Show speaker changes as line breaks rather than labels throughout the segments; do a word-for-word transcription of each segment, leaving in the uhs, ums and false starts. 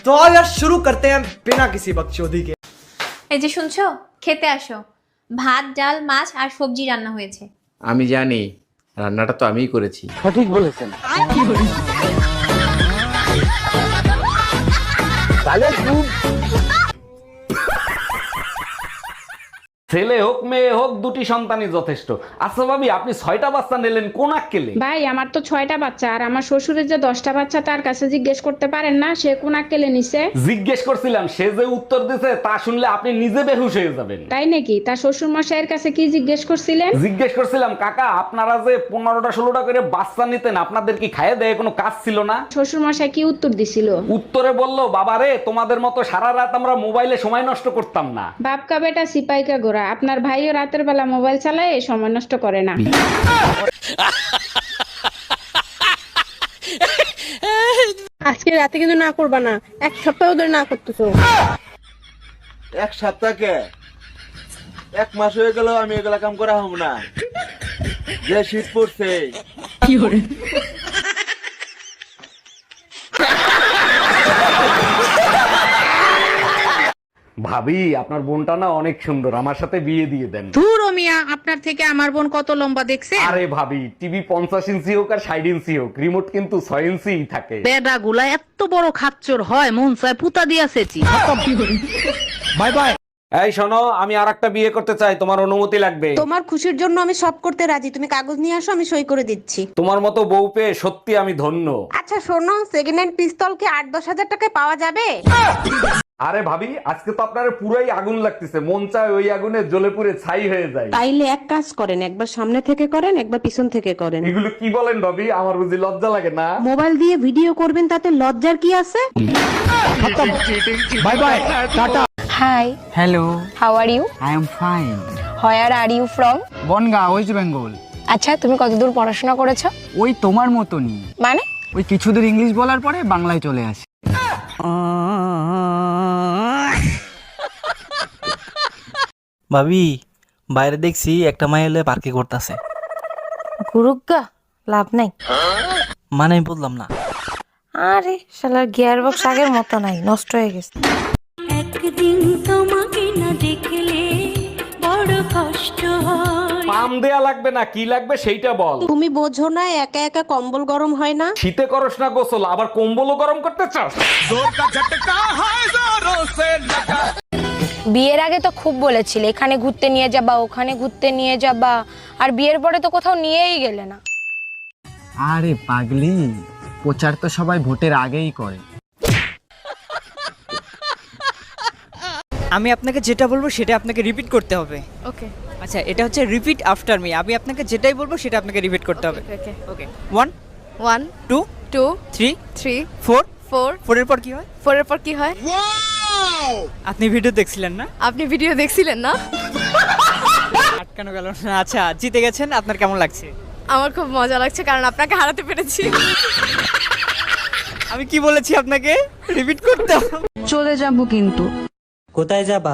तो आओ यार शुरू करते हैं बिना किसी बकचोदी के।
এই যে শুনছো, খেতে আসো। ভাত, ডাল, মাছ আর সবজি রান্না হয়েছে।
আমি জানি, রান্নাটা তো আমিই করেছি।
সঠিক বলেছেন। তাহলে খুব
ছেলে হোক মেয়ে হোক দুটি সন্তানই যথেষ্ট। আচ্ছা ভাবি, আপনি ছয়টা বাচ্চা নিলেন কোন আক্কেলে?
ভাই আমার তো ছয়টা বাচ্চা, আর আমার শ্বশুরের যে দশটা বাচ্চা তার কাছে জিজ্ঞেস করতে পারেন না সে কোন আক্কেলে নিছে?
জিজ্ঞেস করছিলাম, সে যে উত্তর দিছে তা শুনলে আপনি নিজে বেহুশ হয়ে যাবেন।
তাই নাকি? তার শ্বশুর মশাইয়ের কাছে কি জিজ্ঞেস করছিলেন?
জিজ্ঞেস করছিলাম, কাকা আপনারা যে পনেরোটা ষোলোটা করে বাচ্চা নিতেন আপনাদের কি খাইয়ে দেয় কোনো কাজ ছিল না?
শ্বশুর মশাই কি উত্তর দিছিল?
উত্তরে বললো, বাবারে তোমাদের মতো সারা রাত আমরা মোবাইলে সময় নষ্ট করতাম না।
বাপকা বেটা সিপাইকা গোরা, আপনার ভাইও রাতের বেলা মোবাইল চালায় সময় নষ্ট করে না।
আজকে রাতে কিন্তু না করবা না, এক সপ্তাহ ধরে না করতেছো।
এক সপ্তাহকে এক মাস হয়ে গেল আমি এগুলা কাম করা হব না। যে শীত পড়ছে
কি করে
ভাবি আপনার বোনটা না অনেক সুন্দর, আমার সাথে বিয়ে দিয়ে দেন।
ধুর ও মিয়া, আপনার থেকে আমার বোন কত লম্বা দেখছে?
আরে ভাবি, টিভি পঞ্চাশ ইঞ্চি হোক আর ষাট ইঞ্চি হোক, রিমোট কিন্তু ছয় ইঞ্চি থাকে।
বেডা গুলা এত বড় খাচ্চর হয়, মন চায় পুতা দিয়াছেছি।
Bye bye. এই শোনো, আমি আর একটা বিয়ে করতে চাই, তোমার অনুমতি লাগবে।
তোমার খুশির জন্য আমি সব করতে রাজি, তুমি কাগজ নিয়ে আসো, আমি সই করে দিচ্ছি।
তোমার মতো বউ পেয়ে সত্যি আমি ধন্য।
আচ্ছা শোনো, সেকেন্ড হ্যান্ড পিস্তল কি আট দশ হাজার টাকায় পাওয়া যাবে?
আরে ভাবি, আজকে তো আপনার পুরাই আগুন লাগতেছে, মন চায় ওই আগুনে জ্বলে পুড়ে ছাই হয়ে যায়।
তাইলে এক কাজ করেন, একবার সামনে থেকে করেন, একবার পিছন থেকে করেন।
এগুলো কি বলেন ভাবি, আমার বুঝি লজ্জা লাগে না?
মোবাইল দিয়ে ভিডিও করবেন, তাতে লজ্জার কি আছে?
Bye bye, tata.
Hi,
hello,
how are you?
I am fine.
Where are you from?
Bangaon, west Bengal.
আচ্ছা, তুমি কতদূর পড়াশোনা করেছো?
ওই তোমার মতনই,
মানে?
ওই কিছুদূর ইংলিশ বলার পরে বাংলায় চলে আসি।
ভাবি, বাইরে দেখছি একটা মাই এলে পার্কে করতেছে।
গুরুগা, লাভ নাই।
মানে আমি বললাম না।
আরে শালার গিয়ার বক্স আগের মতো নাই, নষ্ট হয়ে গেছে।
একদিন তোমাকে না দেখলে বড় কষ্ট হয়।
পাম দেয়া লাগবে না, কি লাগবে সেইটা বল।
তুমি বোঝো না, একা একা কম্বল গরম হয় না?
শীতে করস না গোসল, আবার কম্বলও গরম করতে চাস?
বিয়ের আগে তো খুব বলেছিলে এখানে ঘুরতে নিয়ে যাবা, ওখানে ঘুরতে নিয়ে যাবা, আর বিয়ের পরে তো কোথাও নিয়েই গেলে না।
আরে পাগলি, প্রচার তো সবাই ভোটের আগেই করে।
আমি আপনাকে যেটা বলবো সেটা আপনাকে রিপিট করতে হবে।
ওকে
আচ্ছা, এটা হচ্ছে রিপিট আফটার মি। আমি আপনাকে যেটাই বলবো সেটা আপনাকে রিপিট করতে হবে।
Okay
okay, one
one
two
two
three
three
four.
Four
ফোরের পর কি হয়?
ফোরের পর কি হয়?
আপনি ভিডিও দেখছিলেন না?
আপনি ভিডিও দেখছিলেন না?
আটকানো গেল না। আচ্ছা, জিতে গেছেন, আপনার কেমন লাগছে?
আমার খুব মজা লাগছে, কারণ আপনাকে হারাতে পেরেছি।
আমি কি বলেছি আপনাকে রিপিট করতে হবে?
চলে যাবো কিন্তু।
কোথায় যাবা?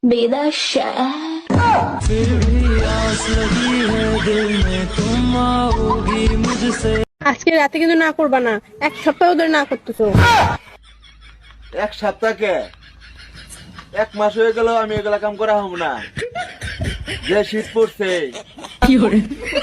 আজকে রাতে কিন্তু না করবা না, এক সপ্তাহ ধরে না করতেছো।
এক সপ্তাহকে এক মাস হয়ে গেল আমি এগুলা কাম করা হব না। যে শীত পড়ছে
কি করে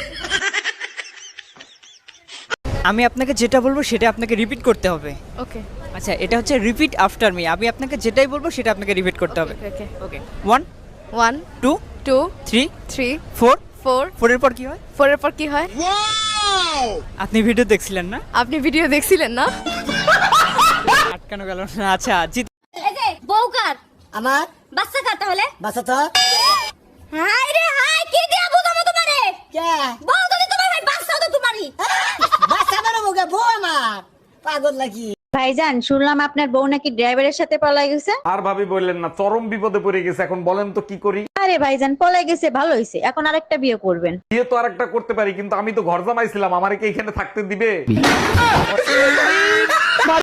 আমি আপনাকে যেটা বলবো সেটা আপনাকে রিপিট করতে হবে।
ওকে
আচ্ছা, এটা হচ্ছে রিপিট আফটার মি। আমি আপনাকে যেটাই বলবো সেটা আপনাকে রিপিট করতে হবে।
Okay
okay, one
one
two
two
three
three
four.
Four
ফোরের পর কি হয়?
ফোরের পর কি হয়?
আপনি ভিডিও দেখছিলেন না?
আপনি ভিডিও দেখছিলেন না?
আটকানো গেল না। আচ্ছা, জিত
এই যে বউ কার?
আমার
বাচ্চা কার তাহলে?
বাসা তো
হাই রে হাই, কি দিয়া বুঝাবো তোমারে?
কে
বউ যদি তোমার হয়, বাচ্চাও তো তোমারই।
বাসা মানে মুখে বউ আমার পাগল নাকি?
ভাইজান, শুনলাম আপনার বউ নাকি ড্রাইভারের সাথে পলাই গেছে।
আর ভাবি বললেন না, চরম বিপদে পড়ে গেছে, এখন বলেন তো কি করি?
আরে ভাইজান, পলাই গেছে ভালো হয়েছে, এখন আরেকটা বিয়ে করবেন।
বিয়ে তো আরেকটা করতে পারি, কিন্তু আমি তো ঘর জামাইছিলাম, আমারে কি এখানে থাকতে দিবে?